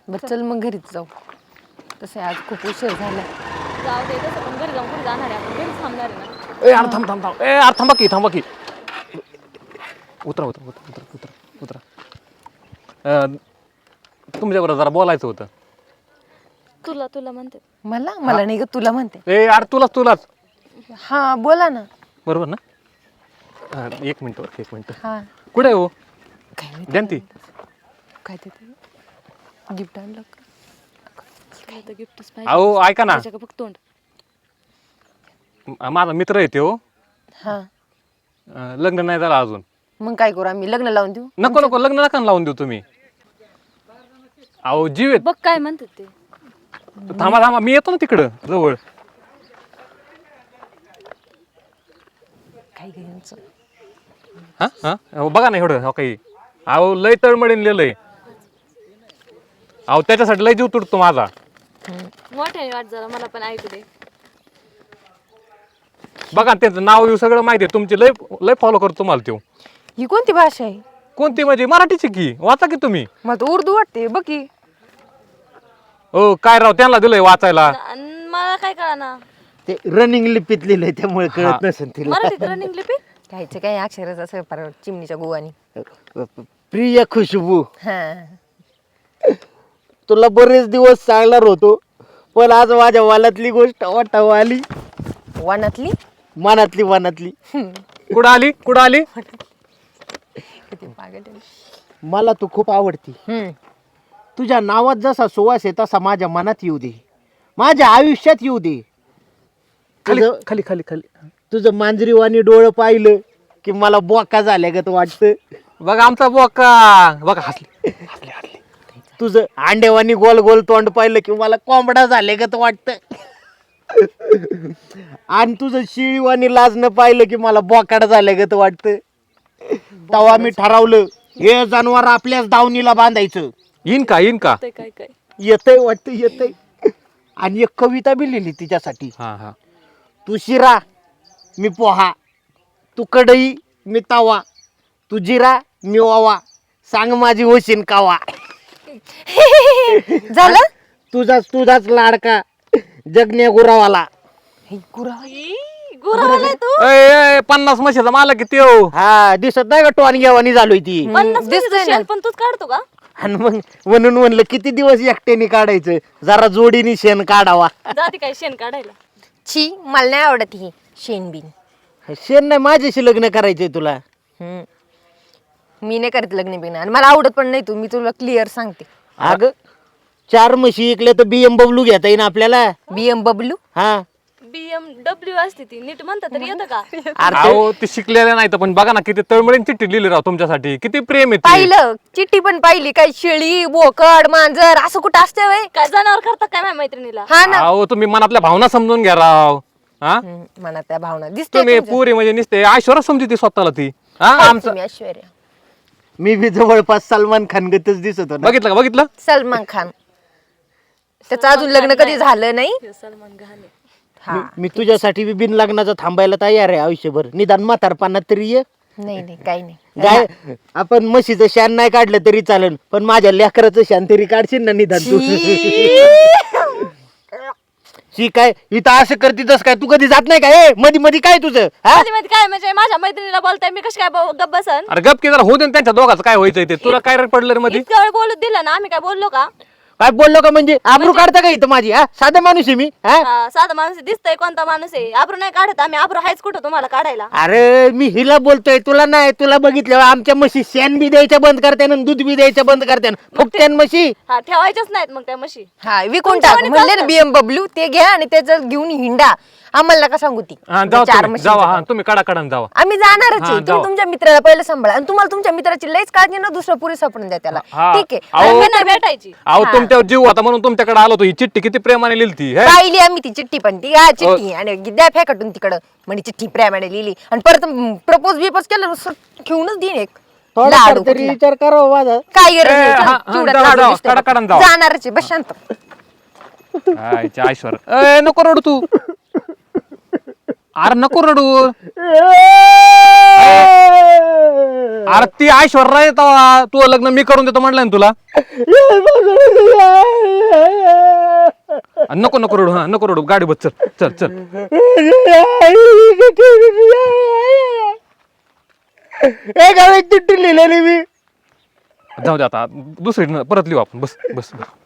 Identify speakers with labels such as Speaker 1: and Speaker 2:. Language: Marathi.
Speaker 1: बरं चल मग घरीच जाऊ. तसं आज खूप उशीर झाला.
Speaker 2: जाऊ दे तसं पण घरी जाऊन कुठे जाणार आहे आपण घरीच थांबणार आहे ना.
Speaker 3: ए यार थांब थांब थांब ए यार थांबा की उतरा उतरा उतरा उतरा उतरा उतरा तुमच्याबरोबर जरा बोलायचं होतं.
Speaker 2: तुला म्हणते.
Speaker 1: मला नाही ग तुला म्हणते.
Speaker 3: ए यार तुलाच
Speaker 1: हा बोला ना.
Speaker 3: बरोबर ना. एक मिनिट
Speaker 1: हा
Speaker 3: कुठे आहे हो
Speaker 1: काय नाही
Speaker 3: जयंती?
Speaker 1: काय देते गिफ्ट आणलं का?
Speaker 2: काय तर गिफ्टच
Speaker 3: अहो ऐका ना,
Speaker 2: पाहिजे फक्त तोंड.
Speaker 3: माझा मित्र येते हो.
Speaker 1: हा
Speaker 3: लग्न नाही झालं अजून.
Speaker 1: मग काय करू आम्ही लग्न लावून देऊ?
Speaker 3: नको लग्न नका लावून देऊ तुम्ही. अहो जीव
Speaker 2: बघ काय म्हणतात ते.
Speaker 3: थांबा मी येतो ना तिकडं जवळ.
Speaker 1: काय घ्यायचं?
Speaker 3: हा बघा ना एवढं हो काही. अहो लय तळमळीन लिहिलंय. अहो त्याच्यासाठी लय जीव तुटतो माझा.
Speaker 2: मोठ्याने वाट जरा मला पण ऐकू दे.
Speaker 3: बघा त्यांचं नाव येऊ सगळं माहिती आहे तुमची. लय फॉलो करतो तुम्हाला तो.
Speaker 1: ही कोणती भाषा आहे?
Speaker 3: कोणती म्हणजे मराठीची की वाचा की तुम्ही.
Speaker 1: मला तर उर्दू वाटते बघ की.
Speaker 3: हो काय राव त्यांना दिलंय वाचायला.
Speaker 2: मला काय कळना.
Speaker 4: ते रनिंग लिपीत लिहिलंय त्यामुळे कळत नसेल तिला.
Speaker 2: मराठीत रनिंग लिपी.
Speaker 1: घ्यायचं काय अक्षरच असं पार चिमणीच्या गोवानी.
Speaker 4: प्रिय खुशबू,
Speaker 1: हा
Speaker 4: तुला बरेच दिवस सांगणार होतो पण आज माझ्या वालातली गोष्ट वाटावं आली.
Speaker 1: वानातली
Speaker 4: मनातली
Speaker 3: कुठं आली
Speaker 1: किती पागल आहे.
Speaker 4: मला तू खूप आवडती. तुझ्या नावात जसा सुवास आहे तसा माझ्या मनात येऊ दे, माझ्या आयुष्यात येऊ दे.
Speaker 3: खाली
Speaker 4: तुझं मांजरीवाणी डोळं पाहिलं की मला बोका झाल्यागत वाटतं.
Speaker 3: बघा आमचा बोका बघा हसले.
Speaker 4: तुझं अंडेवानी गोल गोल तोंड पाहिलं की मला कोंबडा झाल्यागत वाटतं. आणि तुझं शिळीवानी लाजणं पाहिलं की मला बोकाड झाल्यागत वाटतं. तेव्हा मी ठरवलं हे जनावर आपल्याच दावणीला बांधायचं.
Speaker 3: येईन का
Speaker 2: काय
Speaker 4: येतंय वाटतं येतंय. आणि एक कविता बी लिहिली तिच्यासाठी.
Speaker 3: हा
Speaker 4: तू शिरा मी पोहा, तू कढई मी तवा, तू जिरा मी ओवा, सांग माझी होशीन कावा.
Speaker 1: झालं
Speaker 4: तुझाच लाडका जगण्या गुरावाला.
Speaker 1: हे गुरा
Speaker 2: गुरावाला तू.
Speaker 3: 50 म्हशीचा मालक किती हो.
Speaker 4: हा दिसत नाही का टोन घेवानी झालोय ती.
Speaker 2: 50
Speaker 1: दिसतंय
Speaker 2: शेण पण तूच काढतो का?
Speaker 4: आणि मग म्हणून म्हणलं किती दिवस एकट्याने काढायचं, जरा जोडीने शेण काढावा.
Speaker 2: जाती काय शेण काढायला.
Speaker 1: छी मला नाही आवडत ही शेणबिन.
Speaker 4: शेण नाही माझ्याशी लग्न करायचंय तुला.
Speaker 1: मी नाही करत लग्न बिग्न आणि मला आवडत पण नाही. तू मी तुला क्लिअर सांगते.
Speaker 4: अगं 4 म्हशी इकल्या तर BMW घेता येईन आपल्याला.
Speaker 1: BMW
Speaker 4: हा
Speaker 2: BMW असते ती नीट म्हणता तरी येतं का?
Speaker 3: अहो ते शिकलेले नाही तर पण बघा ना किती तळमळीन चिठ्ठी लिहिली राव तुमच्यासाठी. किती प्रेम आहे ते.
Speaker 1: पाहिलं चिठ्ठी पण पाहिली. काय शेळी बोकड मांजर असं कुठं असते वय?
Speaker 2: काय जनावर करतात काय माझ्या मैत्रिणीला?
Speaker 1: हा ना.
Speaker 3: अहो तुम्ही मनातल्या भावना समजून घ्या राव. हा
Speaker 1: मनात त्या भावना दिसते
Speaker 3: तुम्ही पुरी म्हणजे निसते ऐश्वर्या समजते स्वतःला ती. हा आमचं
Speaker 1: ऐश्वर्या
Speaker 4: मी बी जवळपास सलमान खान गतच दिसत होता.
Speaker 3: बघितलं
Speaker 1: सलमान खान. त्याचं अजून लग्न कधी झालं नाही.
Speaker 2: सलमान खान आहे.
Speaker 1: हा
Speaker 4: मी तुझ्यासाठी बी बिन लग्नाचं थांबायला तयार आहे आयुष्यभर. निदान म्हातारपणात तरी ये.
Speaker 1: नाही काही नाही.
Speaker 4: गाय आपण म्हशीचं शान नाही काढलं तरी चालेल पण माझ्या लेकराचं शान तरी काढशील ना निदान तू. शी काय इथं असं करते तस काय तू कधी जात नाही काय मध्ये काय तुझं हा?
Speaker 2: मध्ये काय म्हणजे माझ्या मैत्रिणीला बोलताय मी कशी काय गप्प बसन?
Speaker 3: अरे गप की जरा होऊ दे ना त्यांच्या दोघांचं काय व्हायचंय ते. तुला काय रे पडलं रे मध्ये.
Speaker 2: इतक्या वेळ बोलत दिलं ना आम्ही काय बोललो का?
Speaker 4: काय बोललो का म्हणजे आबरू काढता का इथं माझी? हा साधा माणूस आहे मी. हा
Speaker 2: हा, साधा माणूस दिसतंय कोणता माणूस आहे? आब्रू नाही काढत आम्ही. आब्रू हायच कुठं तुम्हाला काढायला?
Speaker 4: अरे मी हिला बोलतोय तुला नाही. तुला बघितलं आमच्या म्हशी शेण बी द्यायचं बंद करते ना दूध बी द्यायचं बंद करते फुकत्यान म्हशी.
Speaker 2: हा ठेवायच्याच नाहीत मग त्या म्हशी.
Speaker 1: हा विकून
Speaker 2: तुमच्या
Speaker 1: टाक
Speaker 2: वाणी
Speaker 1: म्हणले ना
Speaker 2: चालतं.
Speaker 1: BMW ते घ्या आणि त्याचं घेऊन हिंडा. आम्हाला का सांगू ती
Speaker 3: हा
Speaker 1: चार
Speaker 3: जावा
Speaker 1: म्हशींचं
Speaker 3: जावा. हा
Speaker 1: काम.
Speaker 3: तुम्ही कडा जावा.
Speaker 1: आम्ही जाणारच
Speaker 3: हा,
Speaker 1: आहे.
Speaker 3: जाऊ.
Speaker 1: तुम्ही तुमच्या मित्राला पहिलं सांभाळा आणि तुम्हाला तुमच्या मित्राची लईच काळजी ना दुसरं पुरी सापडून द्या त्याला.
Speaker 3: हा.
Speaker 1: ठीक आहे.
Speaker 3: अहो,
Speaker 1: आणि
Speaker 2: मी नाही भेटायची.
Speaker 3: अहो तुमच्यावर जीव होता म्हणून तुमच्याकडे आलो होतो. ही चिठ्ठी किती प्रेमाने लिहिली हे.
Speaker 1: पाहिली आम्ही ती चिठ्ठी पण ती हा चिठ्ठी आणि द्या फेकटून तिकडं म्हणजे चिठ्ठी प्रेमाने लिहिली आणि परत प्रपोज बिपोज केलं घेऊनच देईन एक
Speaker 4: थोडा
Speaker 1: लाडू
Speaker 4: तरी
Speaker 1: कुठला.
Speaker 4: विचार करावा माझा.
Speaker 1: काय गरज नाही.
Speaker 3: ए,
Speaker 1: चल,
Speaker 3: हा, हा,
Speaker 1: चिवड्यात
Speaker 3: जाऊ,
Speaker 1: लाडू
Speaker 3: जाऊ,
Speaker 1: दिसतोय बघ.
Speaker 3: कडा जाऊ.
Speaker 1: जाणारच आहे बस शांत.
Speaker 3: ऐश्वर्या नको रडू तू. अरे नको रडू. अरे ती ऐश्वर्या आहे तेव्हा तू लग्न मी करून देतो म्हटलं ना तुला. नको नको रडू, हा नको रडू, गाडी बस, चल चल चल.
Speaker 4: ए गावात तुटून लिहिलेली मी.
Speaker 3: जाऊ दे आता, दुसरी परत लिहू आपण. बस बस बस.